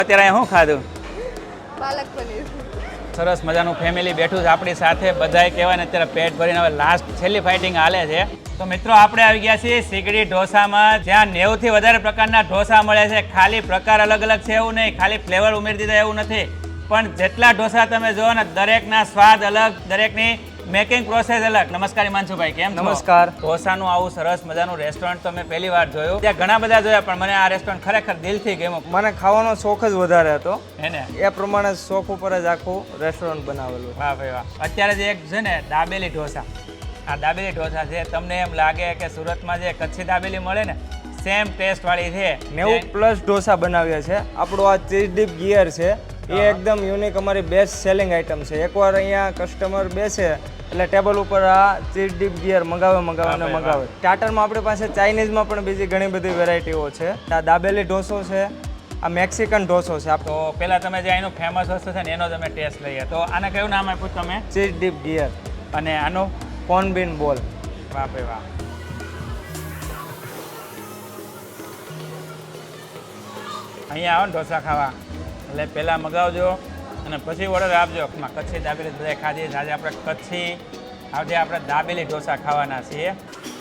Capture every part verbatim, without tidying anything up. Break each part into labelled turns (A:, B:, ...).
A: અત્યારે શું ખાધું?
B: પાલક પનીર.
A: સરસ મજાનું ફેમિલી બેઠું છે આપણી સાથે, બધાય કહેવાય ને અત્યારે પેટ ભરીને હવે લાસ્ટ છેલ્લી ફાઇટિંગ હાલે છે. તો મિત્રો આપણે આવી ગયા છીએ સીગડી ઢોસામાં, જ્યાં નેવું થી વધારે પ્રકારના ઢોસા મળે છે. ખાલી પ્રકાર અલગ અલગ છે એવું નહીં, ખાલી ફ્લેવર ઉમેરી દીધા એવું નથી, પણ જેટલા ઢોસા તમે જુઓ ને દરેકના સ્વાદ અલગ, દરેકની મેકિંગ પ્રોસેસ અલગ. નમસ્કાર હિમાંશુભાઈ, કેમ છો?
C: નમસ્કાર.
A: ઢોસાનું આવું સરસ મજાનું રેસ્ટોરન્ટ તો મેં પહેલી વાર જોયું. ત્યાં ઘણા બધા જોયા પણ મને આ રેસ્ટોરન્ટ ખરેખર દિલથી ગમ્યું.
C: મને ખાવાનો શોખ જ વધારે હતો,
A: હે ને?
C: એ પ્રમાણે શોખ ઉપર જ આખું રેસ્ટોરન્ટ બનાવેલું.
A: વાહ ભાઈ વાહ. અત્યારે જે એક છે ને દાબેલી ઢોસા, આ દાબેલી ઢોસા છે, તમને એમ લાગે કે સુરતમાં જે કચ્છી દાબેલી મળે ને સેમ ટેસ્ટ વાળી છે.
C: નેવું પ્લસ ઢોસા બનાવ્યા છે. આપણું આ ચીઝ ડીપ ગિયર છે એ એકદમ યુનિક, અમારી બેસ્ટ સેલિંગ આઇટમ છે. એકવાર અહીંયા કસ્ટમર બેસે એટલે ટેબલ ઉપર આ ચીઝ ડીપ ગિયર મંગાવે મંગાવે અને મંગાવે. સ્ટાર્ટરમાં આપણી પાસે ચાઇનીઝમાં પણ બીજી ઘણી બધી વેરાયટીઓ છે. આ દાબેલી ઢોસો છે, આ મેક્સિકન ઢોસો છે.
A: તો પેલા તમે જે અહીંનું ફેમસ વસ્તુ છે ને એનો તમે ટેસ્ટ લઈએ. તો આને કયું નામ આપ્યું તમે?
C: Cheese dip gear.
A: અને આનું?
C: કોર્ન બીન બોલ.
A: વાહ ભાઈ વાહ. અહીંયા આવો ને ઢોસા ખાવા એટલે પહેલાં મગાવજો અને પછી ઓર્ડર આપજો. કચ્છી દાબેલી બધા ખાધી. આજે આપણે કચ્છી આજે આપણે દાબેલી ઢોસા ખાવાના છીએ.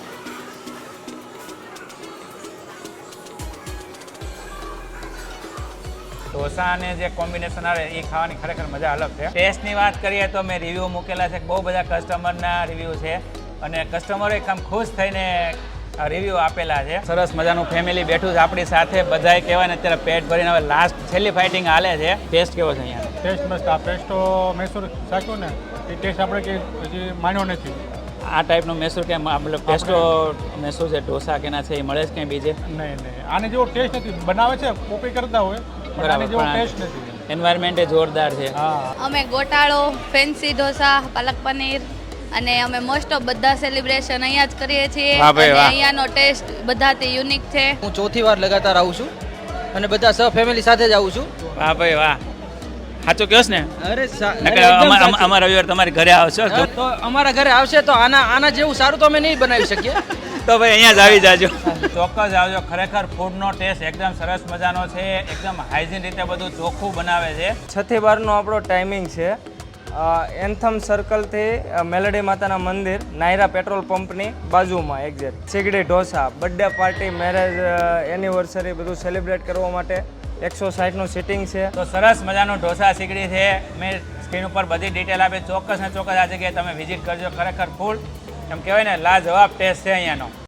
A: ઢોસા અને જે કોમ્બિનેશન આવે એ ખાવાની ખરેખર મજા અલગ છે. ટેસ્ટની વાત કરીએ તો મેં રિવ્યૂ મૂકેલા છે, બહુ બધા કસ્ટમરના રિવ્યૂ છે અને કસ્ટમરો એકદમ ખુશ થઈને રિવ્યૂ આપેલા છે. સરસ મજાનું ફેમિલી બેઠું છે આપણી સાથે, બધાય કહેવાય ને અત્યારે પેટ ભરીને હવે લાસ્ટ છેલ્લી ફાઇટિંગ હાલે છે. ટેસ્ટ કેવો છે અહીંયા?
D: ટેસ્ટ મસ્ત. આ પેસ્ટો મૈસૂર શાક્યું ને એ ટેસ્ટ આપણે કે હજી માન્યો નથી.
A: આ ટાઈપનો મૈસૂર કે મતલબ પેસ્ટો મૈસૂર છે ઢોસા કેના છે એ મળે છે ક્યાંય બીજે?
D: નહીં નહીં, આને જેવો ટેસ્ટ નથી. બનાવે છે કોપી કરતા હોય પણ આને જેવો ટેસ્ટ નથી.
A: એન્વાયરમેન્ટ જોરદાર છે.
D: હા,
B: અમે ગોટાળો, ફેન્સી ઢોસા, પાલક પનીર અને અમે મોસ્ટ ઓફ બધા સેલિબ્રેશન અહીંયા જ કરીએ છીએ.
A: વાહ ભાઈ
B: અને
A: વાહ.
B: અહીંયાનો ટેસ્ટ બધાથી યુનિક છે.
E: હું ચોથી વાર લગાતાર આવું છું અને બધા સહ ફેમિલી સાથે જ આવું છું.
A: વાહ ભાઈ વાહ. સાચું કહો ને?
E: અરે સા-
A: નકર
E: અરે એકદમ
A: અમા-
E: સાચું.
A: અમારા રવિવાર તમારી ઘરે આવશો
E: હા, તો અમારા ઘરે આવશે તો આના આના જેવું સારું તો અમે નહીં બનાવી શકીએ.
A: તો ભાઈ અહીંયા જ આવી જાજો. ચોક્કસ આવજો. ખરેખર ફૂડનો ટેસ્ટ એકદમ સરસ મજાનો છે, એકદમ હાઇજીન રીતે બધું ચોખ્ખું બનાવે છે.
C: છ થી બારનો આપણો ટાઈમિંગ છે. એન્થમ સર્કલથી મેલડી માતાના મંદિર, નાયરા પેટ્રોલ પંપની બાજુમાં exact. Sigdi dosa, birthday party, marriage anniversary બધું સેલિબ્રેટ કરવા માટે એકસો સાઠનું સિટિંગ છે.
A: તો સરસ મજાનું ઢોસા સીગડી છે. મેં સ્ક્રીન ઉપર બધી ડિટેલ આપી. ચોક્કસ ને ચોક્કસ આ જગ્યાએ તમે વિઝિટ કરજો. ખરેખર ફૂડ એમ કહેવાય ને લાજવાબ ટેસ્ટ છે અહીંયાનો.